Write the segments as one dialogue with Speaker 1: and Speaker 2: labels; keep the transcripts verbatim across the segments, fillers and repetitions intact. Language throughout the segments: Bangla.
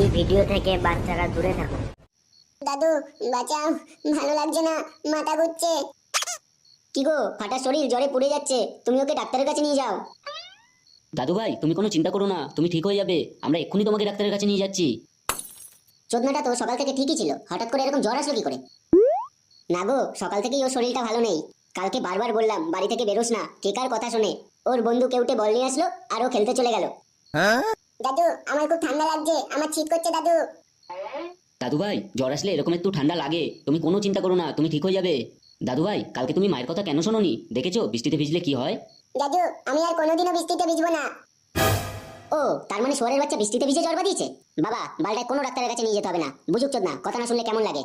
Speaker 1: ভিডিও থেকে বাচ্চারা দূরে থাকুন।
Speaker 2: দাদু বাঁচাও, ভালো লাগছে না, মাথা ঘুরছে। কি গো, ফাটা শরীর, জ্বরে পুড়ে যাচ্ছে, তুমি ওকে ডাক্তারের কাছে নিয়ে যাও।
Speaker 3: দাদু ভাই তুমি কোনো চিন্তা করো না, তুমি ঠিক হয়ে যাবে, আমরা এক্ষুনি তোমাকে ডাক্তারের কাছে নিয়ে যাচ্ছি।
Speaker 2: চোদনাটা তো সকাল থেকে ঠিকই ছিল, হঠাৎ করে এরকম জ্বর আসলো কি করে? না গো, সকাল থেকেই ওর শরীরটা ভালো নেই। কালকে বারবার বললাম বাড়ি থেকে বেরোস না, কে কার কথা শুনে। ওর বন্ধু কেউটে বল নিয়ে আসলো আর ও খেলতে চলে গেল। দাদু আমার খুব ঠান্ডা লাগছে, আমার শীত করছে দাদু।
Speaker 3: দাদু ভাই জ্বর আসলে এরকম একটু ঠান্ডা লাগে, তুমি কোনো চিন্তা করো না, তুমি ঠিক হয়ে যাবে। দাদু ভাই কালকে তুমি মায়ের কথা কেন শোনোনি? দেখেছো বৃষ্টিতে ভিজলে কি হয়?
Speaker 2: দাদু আমি আর কোনোদিনও বৃষ্টিতে ভিজবো না। ও তার মানে শোয়ারের বাচ্চা বৃষ্টিতে ভিজে জ্বর বাঁধিয়েছে? বাবা বালটায় কোনো ডাক্তারের কাছে নিয়ে যেতে হবে না, বুঝুক চোদনা, কথা না শুনলে কেমন লাগে।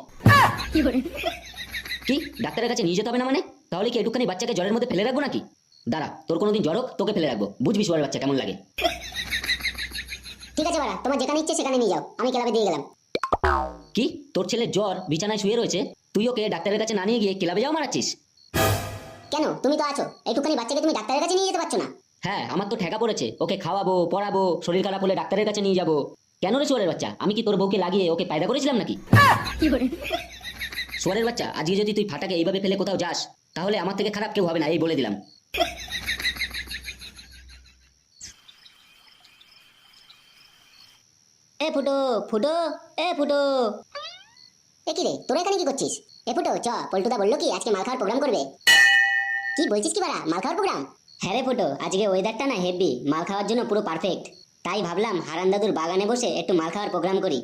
Speaker 3: কি ডাক্তারের কাছে নিয়ে যেতে হবে না মানে? তাহলে কি একটুখানি বাচ্চাকে জ্বরের মধ্যে ফেলে রাখবো নাকি? দাঁড়া, তোর কোনোদিন জ্বর হোক, তোকে ফেলে রাখবো, বুঝবি শোয়ারের বাচ্চা কেমন লাগে।
Speaker 2: ঠিক আছে বাড়া, তোমার যেখানে ইচ্ছে সেখানে নিয়ে যাও, আমি ক্লাবে দিয়ে গেলাম।
Speaker 3: কি তোর ছেলের জ্বর বিছানায় শুয়ে রয়েছে, তুই ওকে ডাক্তারের কাছে না নিয়ে গিয়ে ক্লাবে যাও মারাচ্ছিস?
Speaker 2: কেন, তুমি তো আছো, একটুখানি বাচ্চাকে তুমি ডাক্তারের কাছে নিয়ে যেতে পারছো না?
Speaker 3: হ্যাঁ আমার তো ঠেকা পড়েছে, ওকে খাওয়াবো পড়াবো, শরীর খারাপ হলে ডাক্তারের কাছে নিয়ে যাবো। কেন রে শোয়ারের বাচ্চা, আমি কি তোর বউকে লাগিয়ে ওকে পায়দা করেছিলাম নাকি? শোয়ারের বাচ্চা, আজকে যদি তুই ফাটাকে এইভাবে ফেলে কোথাও যাস, তাহলে আমার থেকে খারাপ কেউ হবে না, এই বলে দিলাম।
Speaker 2: এ ফুটো, ফুটো, এ ফুটো। এ কি রে, তোরা এখানে কি করছিস? এ ফুটো চ, পল্টুদা বললো কি আজকে মাল খাওয়ার প্রোগ্রাম করবে। কি বলছিস কি বাড়া, মাল খাওয়ার প্রোগ্রাম? হ্যাঁ রে ফুটো, আজকে ওয়েদারটা না হেভি, মাল খাওয়ার জন্য পুরো পারফেক্ট। তাই ভাবলাম হারান দাদুর বাগানে বসে একটু মাল খাওয়ার প্রোগ্রাম করি।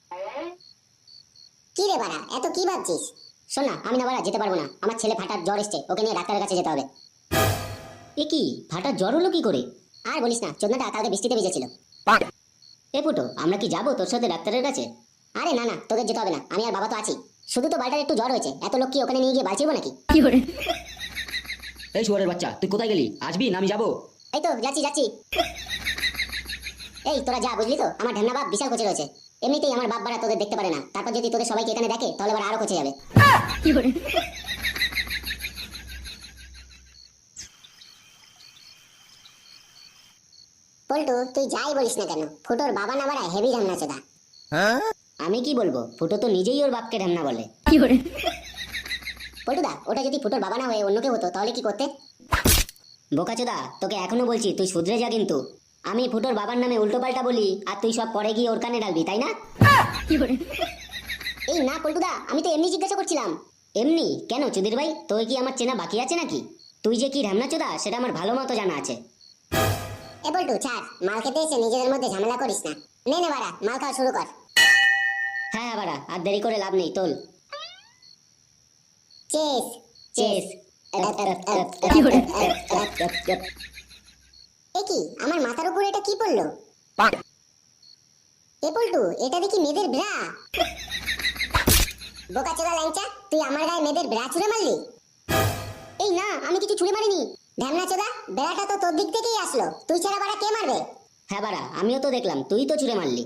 Speaker 2: কি রে বাড়া, এত কি ভাবছিস? শোন না, আমি না বাড়া যেতে পারবো না, আমার ছেলে ফাটার জ্বর এসছে, ওকে নিয়ে ডাক্তারের কাছে যেতে হবে। এ কি, ফাটার জ্বর হলো কি করে? আর বলিস না, চোদনাটা কালকে বৃষ্টিতে ভিজেছিল। এ ফুটো, আমরা কি যাবো তোর সাথে ডাক্তারের কাছে? আরে না না, তোদের যেতে হবে না, আমি আর বাবা তো আছি। শুধু তো বালটার একটু জ্বর হয়েছে, এত লোক কি ওখানে নিয়ে গিয়ে বাঁচিবো নাকি?
Speaker 3: এই শোয়ারের বাচ্চা, তুই কোথায় গেলি? আসবি না আমি যাবো?
Speaker 2: এই তো যাচ্ছি যাচ্ছি। এই তোরা যা, বুঝলি তো, আমার ঢ্যামনা বাপ বিশাল কোচে রয়েছে। এমনিতেই আমার বাপ বাড়া তোদের দেখতে পারে না, তারপর যদি তোদের সবাইকে এখানে দেখে তাহলে আবার আরো কোচে যাবে। পল্টু তুই যাই বলিস না কেন, ফুটোর বাবা না বাড়া হেভি ঢ্যামনা চোদা। আমি কি বলবো, ফুটো তো নিজেই ওর বাপকে ঢ্যামনা বলে। পল্টুদা, ওটা যদি ফুটোর বাবা না হয়ে অন্য কেউ হতো তাহলে কি করতে? বোকাচোদা, তোকে এখনো বলছি তুই শুধরে যা কিন্তু। আমি ফুটোর বাবার নামে উল্টো পাল্টা বলি আর তুই সব পরে গিয়ে ওর কানে ডালবি, তাই না? এই না পল্টুদা, আমি তো এমনি জিজ্ঞাসা করছিলাম। এমনি কেন চুদির ভাই, তোর কি আমার চেনা বাকি আছে নাকি? তুই যে কি ঢ্যামনা চোদা সেটা আমার ভালো মতো জানা আছে। এ পল্টু ছাড়, মাল খেতে এসে নিজেদের মধ্যে ঝামেলা করিস না। নে নে বাড়া, মাল খাওয়া শুরু কর। হ্যাঁ হ্যাঁ বাড়া, আর দেরি করে লাভ নেই, তোল। Chess chess. এ কি, আমার মাথার উপরে এটা কি পড়লো? এ পল্টু, এটা দেখি মেয়েদের ব্রা। বোকাচোদা ল্যাংচা, তুই আমার গায়ে মেয়েদের ব্রা ছুঁড়ে মারলি? এই না, আমি কিছু ছুঁড়ে মারিনি। ঢ্যামনা চোদা, ব্রাটা তো তোর দিক থেকেই আসলো, তুই ছাড়া বাড়া কে মারবে? হ্যাঁ বাড়া, আমিও তো দেখলাম, তুই তো ছুঁড়ে মারলি।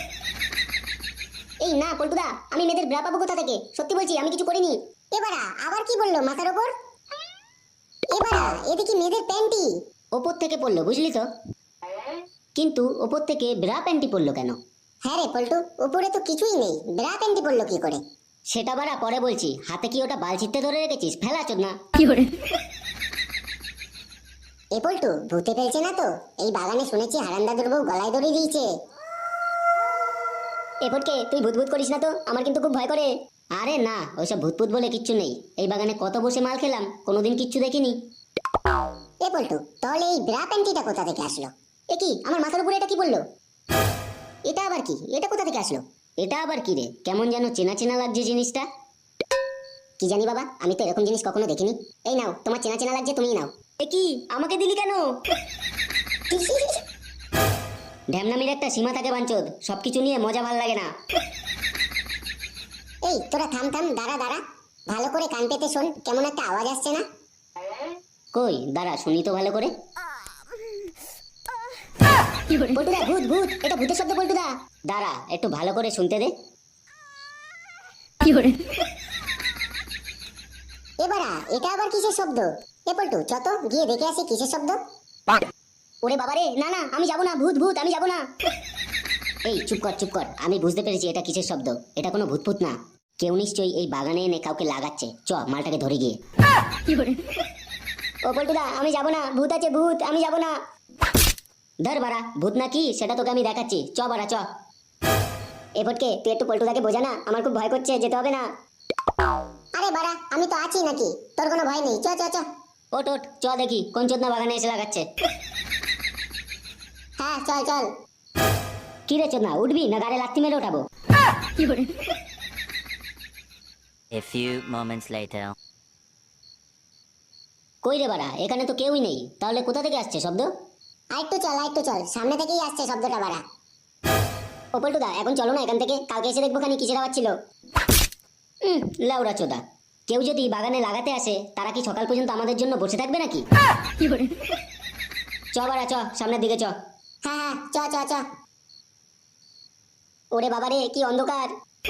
Speaker 2: এই না পল্টুদা, আমি মেয়েদের ব্রা পাবো কোথা থেকে? সত্যি বলছি আমি কিছু করিনি। এবারা আবার কি বললো মাথার উপর? এবারা এদিকে মেয়েদের প্যান্টি ওপর থেকে পড়লো, বুঝলি তো। কিন্তু ওপর থেকে ব্রা প্যান্টি পড়লো কেন? হ্যাঁ রে পল্টু, উপরে তো কিছুই নেই, ব্রা প্যান্টি পড়লো কি করে? সেটা বাড়া পরে বলছি, হাতে কি ওটা বালচিতে ধরে রেখেছিস? ফেলা চোদনা। এ পল্টু, ভূতে ফেলছে না তো? এই বাগানে শুনেছি হারান দাদুর বউ গলায় দড়ি দিয়েছে। এ ফটকে, তুই ভূত ভূত করিস না তো, আমার কিন্তু খুব ভয় করে। আরে না, ওইসব ভূতপুত বলে কিচ্ছু নেই, এই বাগানে কত বসে মাল খেলাম, কোনোদিন কিচ্ছু দেখিনি। এ পল্টু, তাহলে এই ব্রা প্যান্টিটা কোথা থেকে আসলো? এ কি, আমার মাথার উপরে এটা কি বললো? এটা আবার কি, এটা কোথা থেকে আসলো? এটা আবার কি রে, কেমন যেন চেনা চেনা লাগছে জিনিসটা। কি জানি বাবা, আমি তো এরকম জিনিস কখনো দেখিনি। এই নাও, তোমার চেনা চেনা লাগছে, তুমিই নাও। এ কি, আমাকে দিলি কেন? ঢ্যামনামির একটা সীমা থাকে বাঞ্চোদ, সবকিছু নিয়ে মজা ভাল লাগে না। এই তোরা থাম থাম, দাঁড়া দাঁড়া, ভালো করে কান পেতে শোন, কেমন একটা আওয়াজ আসছে না? কই দাঁড়া শুনি তো ভালো করে। পল্টুদা, ভূত ভূত, এটা ভূতের শব্দ পল্টুদা। দাঁড়া একটু ভালো করে শুনতে দে। এবারা এটা আবার কিসের শব্দ? এ পল্টু চত গিয়ে দেখে আসি কিসের শব্দ। ওরে বাবারে, না না আমি যাব না, ভূত ভূত, আমি যাব না। এই চুপ কর চুপ কর, আমি বুঝতে পেরেছি এটা কিসের শব্দ। এটা কোনো ভূতভূত না, কেউ নিশ্চয়ই এই বাগানে এনে কাউকে লাগাচ্ছে। চ মালটাকে ধরে গিয়ে। ও পল্টুদা, আমি যাব না, ভূত আছে ভূত, আমি যাব না। ধর বাড়া, ভূত না কি সেটা তোকে আমি দেখাচ্ছি, চ বাড়া চ। এ ফটকে, তুই একটু পল্টুদাকে বোঝা না, আমার খুব ভয় করছে, যেতে হবে না। আরে বাড়া, আমি তো আছি নাকি, তোর কোনো ভয় নেই, চ চ চ। ওট ওট, চ দেখি কোন চোদনা বাগানে এসে লাগাচ্ছে। হ্যাঁ চল চল। কি রে চোদনা, উঠবি না গাড়ি লাথি মেরে ওঠাবো?
Speaker 4: A few moments later.
Speaker 2: কই রে বাড়া, এখানে তো কেউই নেই, তাহলে কোথা থেকে আসছে শব্দ? আরেকটু চল আরেকটু চল, সামনে থেকেই আসছে শব্দটা বাড়া। ও পল্টুদা, এখন চলো না এখান থেকে, কালকে এসে দেখবো খানি কিসের আওয়াজ ছিল। হুম, লাউড়া চোদা, কেউ যদি বাগানে লাগাতে আসে তারা কি সকাল পর্যন্ত আমাদের জন্য বসে থাকবে নাকি? চ বাড়া চ, সামনের দিকে চ। হ্যাঁ হ্যাঁ চ চ চ। ওরে বাবা রে, কি অন্ধকার।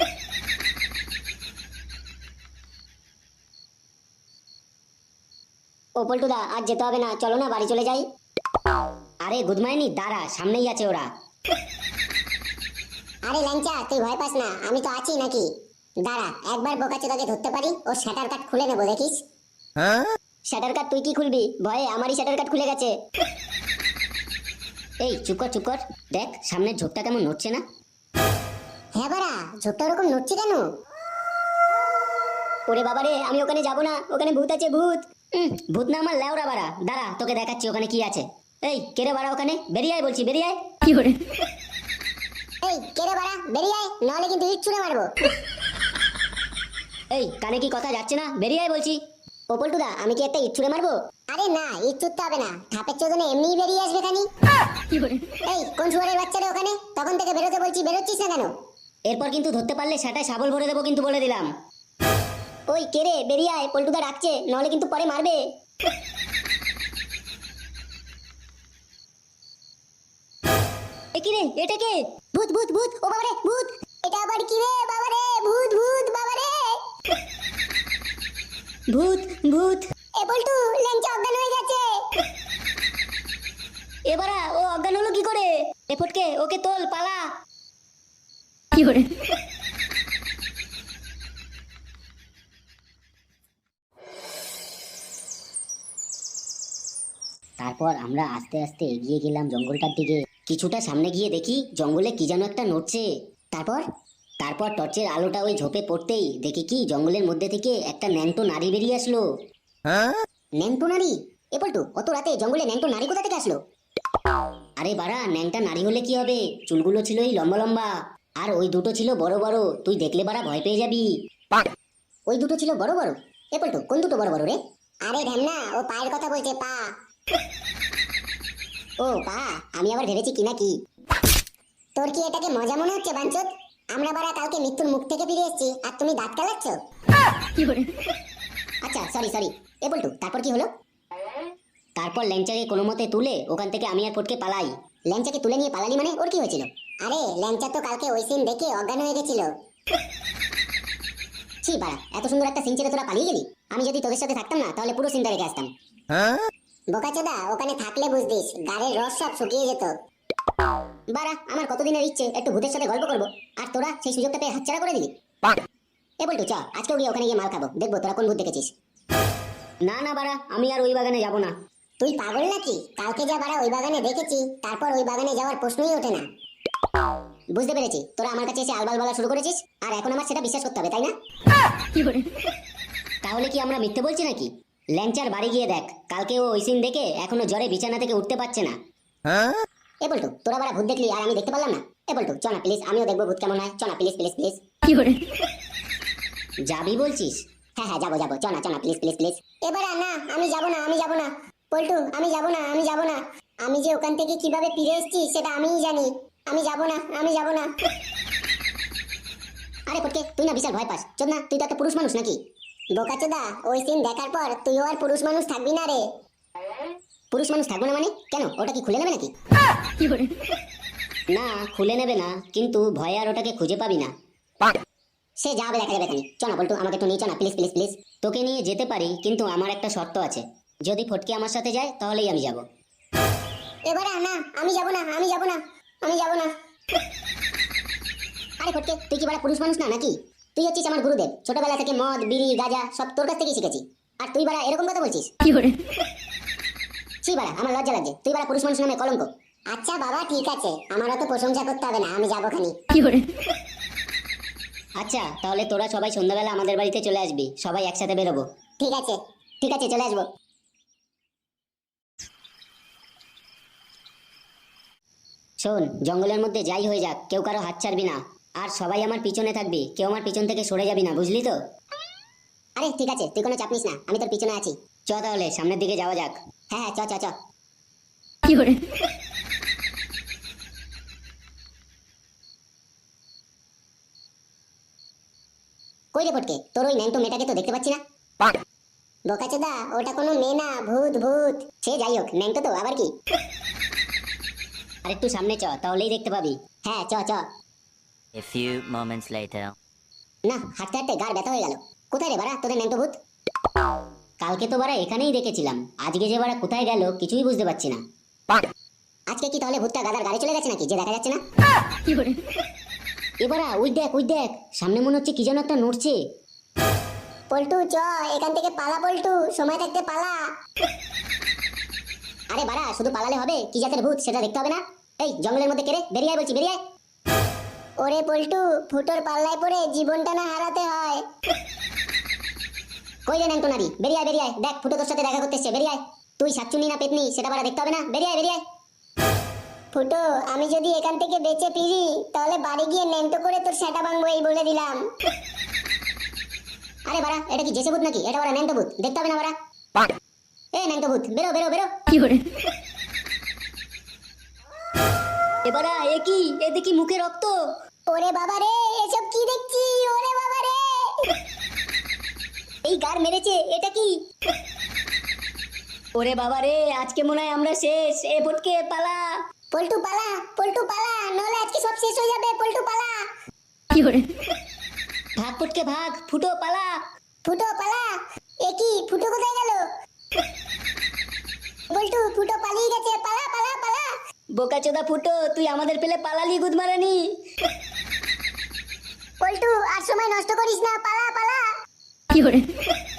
Speaker 2: ও পল্টুদা, আজ যেতে হবে না, চলো না বাড়ি চলে যাই। আরে গুদমাইনি, দাঁড়া, সামনেই আছে ওরা। আরে ল্যাংচা, তুই ভয় পাস না, আমি তো আছি নাকি। দাঁড়া, একবার বোকাচোদাকে ধরতে পারি, ও শাটার কাট খুলে নেবো, দেখিস। শাটার কাট তুই কি খুলবি? ভয়ে আমারই শাটার কাট খুলে গেছে। এই চুপ কর চুপ কর, দেখ সামনের ঝোপটা কেমন নড়ছে না? হ্যাঁ বাড়া, ঝোপটা ওরকম নড়ছে কেন? ওরে বাবা রে, আমি ওখানে যাব না, ওখানে ভূত আছে ভূত। উম, ভূত না আমার লেওরা বাড়া, দাঁড়া তোকে দেখাচ্ছি ওখানে কি আছে। এই কেরে বাড়া, ওখানে বেরিয়ে আয় বলছি, বেরিয়ে আয়। কি করে? এই কেরে বাড়া, বেরিয়ে আয়, নাহলে কিন্তু ইট ছুঁড়ে মারবো। এই কানে কি কথা যাচ্ছে না? বেরিয়ে আয় বলছি। ও পল্টুদা, আমি কি একটা ইট ছুঁড়ে মারবো? আরে না, ইট ছুঁড়তে হবে না, ধাপের চোদনে এমনিই বেরিয়ে আসবে খানি। এই কোন শুয়ারের বাচ্চারা ওখানে, তখন থেকে বেরোতে বলছি, বেরোচ্ছিস না কেন? এরপর কিন্তু ধরতে পারলে সেটাই শাবল ভরে দেবো কিন্তু, বলে দিলাম। ওই কেরে, বেরিয়ে আয়, পল্টুদা ডাকছে, নাহলে কিন্তু পরে মারবে। এ কি রে, এটা কে? ভূত ভূত ভূত, ও বাবা রে ভূত। এটা আবার কি রে বাবা রে, ভূত ভূত বাবা রে। ভূত ভূত। এ পল্টু, ল্যাংচা অজ্ঞান হয়ে গেছে। এবারা ও অজ্ঞান হলো কি করে? এ ফটকে, ওকে তোল, পালা। কি করে? তারপর আমরা আস্তে আস্তে এগিয়ে গেলাম জঙ্গলটার দিকে। কিছুটা সামনে গিয়ে দেখি জঙ্গলে কি যেন একটা নড়ছে। তারপর তারপর টর্চের আলোটা ওই ঝোপে পড়তেই দেখি কি জঙ্গলের মধ্যে থেকে একটা ন্যাংটো নারী বেরিয়ে আসলো। ন্যাংটো নারী? এ পল্টু, অত রাতে জঙ্গলে ন্যাংটো নারী কোথা থেকে আসলো? আরে বাড়া, ন্যাংটা নারী হলে কি হবে, চুলগুলো ছিল এই লম্বা লম্বা, আর ওই দুটো ছিল বড় বড়, তুই দেখলে বাড়া ভয় পেয়ে যাবি। ওই দুটো ছিল বড় বড়? এ পল্টু, কোন দুটো বড় বড় রে? আরে ঢ্যামনা, ও পায়ের কথা বলছে, পা। ও পা, আমি আবার ভেবেছি কি না কি। তোর কি এটাকে মজা মনে হচ্ছে বাঞ্চত? আমরা বারা কালকে মৃত্যুর মুখ থেকে ফিরে এসেছি, আর তুমি দাঁত কালাচ্ছ। আচ্ছা সরি সরি। এ বলটু, তারপর কি হলো? তারপর ল্যাংচাকে কোনো মতে তুলে ওখান থেকে আমি আর ফটকে পালাই। ল্যাংচাকে তুলে নিয়ে পালালি মানে ওর কি হয়েছিল? আরে ল্যাংচা তো কালকে ওই সিন দেখে অজ্ঞান হয়ে গেছিল। ছি বাড়া, এত সুন্দর একটা সিন ছেড়ে তোরা পালিয়ে গেলি। আমি যদি তোদের সাথে থাকতাম না, তাহলে পুরো সিনটা রেখে আসতাম। বোকাচোদা, ওখানে থাকলে বুঝতিস গাড়ির রস সব শুকিয়ে যেত। বাড়া, আমার কতদিনের ইচ্ছে একটু ভূতের সাথে গল্প করবো, আর তোরা সেই সুযোগটা পেয়ে হাতছাড়া করে দিলি। এ বলটু, চ আজকেও গিয়ে ওখানে গিয়ে মাল খাবো, দেখবো তোরা কোন ভূত দেখেছিস। না না বাড়া, আমি আর ওই বাগানে যাব না। তুই পাগল নাকি? কালকে যা বাড়া ওই বাগানে দেখেছি, তারপর ওই বাগানে যাওয়ার প্রশ্নই ওঠে না। বুঝতে পেরেছি, তোরা আমার কাছে এসে আলবাল বলা শুরু করেছিস, আর এখন আমার সেটা বিশ্বাস করতে হবে, তাই না? তাহলে কি আমরা মিথ্যে বলছি নাকি? ল্যাংচার বাড়ি গিয়ে দেখ, কালকে ও ওই সিন দেখে এখনো জ্বরে বিছানা থেকে উঠতে পারছে না। এ বলটু, তোরা বাড়া ভূত দেখলি আর আমি দেখতে পারলাম না? এ বলটু, চ না প্লিজ, আমিও দেখবো ভূত কেমন হয়, চ না প্লিজ প্লিজ প্লিজ। যাবি বলছিস? হ্যাঁ হ্যাঁ যাবো যাবো, চ না চ না প্লিজ প্লিজ প্লিজ। এবারে না, আমি যাবো না, আমি যাবো না পল্টু, আমি যাবো না, আমি যাবো না। আমি যে ওখান থেকে কিভাবে ফিরে এসেছি সেটা আমিই জানি। আমি যাবো না, আমি যাবো না। আরে ফটকে, তুই না বিশাল ভয় পাস, চল না, তুই তো একটা পুরুষ মানুষ নাকি? বোকাচোদা, ওই সিন দেখার পর তুইও আর পুরুষ মানুষ থাকবি না রে। পুরুষ মানুষ থাকবো না মানে? কেন, ওটা কি খুলে নেবে নাকি? না খুলে নেবে না, কিন্তু ভয়ে আর ওটাকে খুঁজে পাবি না। সে যাবে, দেখা যাবে। চ না বলটু, আমাকে একটু নিয়ে চ না প্লিজ প্লিজ প্লিজ। তোকে নিয়ে যেতে পারি, কিন্তু আমার একটা শর্ত আছে, যদি ফটকে আমার সাথে যায় তাহলেই আমি যাব। এবারে না, আমি যাব না, আমি যাব না, আমি যাব না। আরে ফটকে, তুই কি বড় পুরুষ মানুষ না নাকি? তুই হচ্ছিস আমার গুরুদেব, ছোটবেলা থেকে মদ বিড়ি গাঁজা সব তোর কাছ থেকেই শিখেছি। আর তুই বাড়া এরকম কথা বলছিস? ছি বাড়া, আমার লজ্জা লাগছে। তুই বাড়া পুরুষ মানুষ নামে কলঙ্ক। আচ্ছা বাবা ঠিক আছে, আমার অত প্রশংসা করতে হবে না, আমি যাবো খানি।
Speaker 3: আচ্ছা তাহলে তোরা সবাই সন্ধ্যাবেলা আমাদের বাড়িতে চলে আসবি, সবাই একসাথে বেরোবো।
Speaker 2: ঠিক আছে ঠিক আছে, চলে আসবো।
Speaker 3: শোন, জঙ্গলের মধ্যে যাই হয়ে যাক কেউ কারো হাত ছাড়বি না, আর সবাই আমার পিছনে থাকবি, কেউ আমার পিছন থেকে সরে যাবি না, বুঝলি তো?
Speaker 2: আরে ঠিক আছে, তুই কোনো চাপ নিস না, আমি তোর পিছনে আছি।
Speaker 3: চ তাহলে সামনের দিকে যাওয়া যাক।
Speaker 2: হ্যাঁ হ্যাঁ, চ চ চ। কই রে পটকে, তোর ওই ন্যাংটো মেয়েটাকে তো দেখতে পাচ্ছি না। বোকাচোদা, ওটা কোনো মেয়ে না, ভূত ভূত। সে যাই হোক, ন্যাংটো তো আবার কি।
Speaker 3: আর একটু সামনে চ, তাহলেই দেখতে পাবি।
Speaker 2: হ্যাঁ চ চ।
Speaker 4: A few moments later.
Speaker 2: না, হাঁটতে হাঁটতে গাড় ব্যথা হয়ে গেল। কোথায় রে বাড়া তোদের ন্যাংটো ভূত?
Speaker 3: কালকে তো বারা এখানেই দেখেছিলাম, আজকে যে বারা কোথায় গেল কিছুই বুঝতে পারছি না।
Speaker 2: আজকে কি তাহলে ভূতটা গাদার গাড়ি চলে গেছে নাকি, যে দেখা যাচ্ছে না?
Speaker 3: এবারা ওই দেখ ওই দেখ, সামনে মনে হচ্ছে কি যেন একটা নড়ছে।
Speaker 2: পল্টু চ, এখান থেকে পালা পল্টু, সময় থাকতে পালা। আরে বাড়া, শুধু পালালে হবে? কি জাতের ভূত সেটা দেখতে হবে না? এই জঙ্গলের মধ্যে কেড়ে বেরিয়ে আয় বলছি, বেরিয়ে আয়। ওরে পল্টু, ফুটোর পাল্লায় পড়ে জীবনটা না হারাতে হয়। কই রে ন্যাংটো নারী, বেরিয়ে আয় বেরিয়ে আয়, দেখ ফুটো তোর সাথে দেখা করতে এসছে, বেরিয়ে আয়। তুই শাকচুনি না পেতনি সেটা বাড়া দেখতে হবে না, বেরিয়ে আয় বেরিয়ে আয়। ফুটো, আমি যদি এখান থেকে বেঁচে ফিরি তাহলে বাড়ি গিয়ে ন্যাংটো করে তোর সেটা ভাঙবো, এই বলে দিলাম। আরে বাড়া, এটা কি জেসে ভূত নাকি? এটা বাড়া ন্যাংটো ভূত, দেখতে হবে না বাড়া। এ ন্যাংটো ভূত, বেরো বেরো বেরো।
Speaker 3: এবারা এ কি, এ দেখি মুখে রক্ত।
Speaker 2: ওরে বাবা রে, এসব কি দেখছি? ওরে বাবা রে,
Speaker 3: এই গার মেরেছে, এটা কি? ওরে বাবা রে, আজকে মনে হয় আমরা শেষ। এ ফটকে পালা।
Speaker 2: পল্টু পালা, পল্টু পালা, নলে আজকে সব শেষ হয়ে যাবে। পল্টু পালা।
Speaker 3: ভাগ ফটকে ভাগ, ফুটো পালা।
Speaker 2: ফুটো পালা। এ কি, ফুটো কোথায় গেল? পল্টু, ফুটো পালিয়ে গেছে, পালা পালা পালা।
Speaker 3: বোকাচোদা ফুটো, তুই আমাদের পেলে পালালি গুদমারানি।
Speaker 2: পল্টু, আর সময় নষ্ট করিস না, পালা পালা।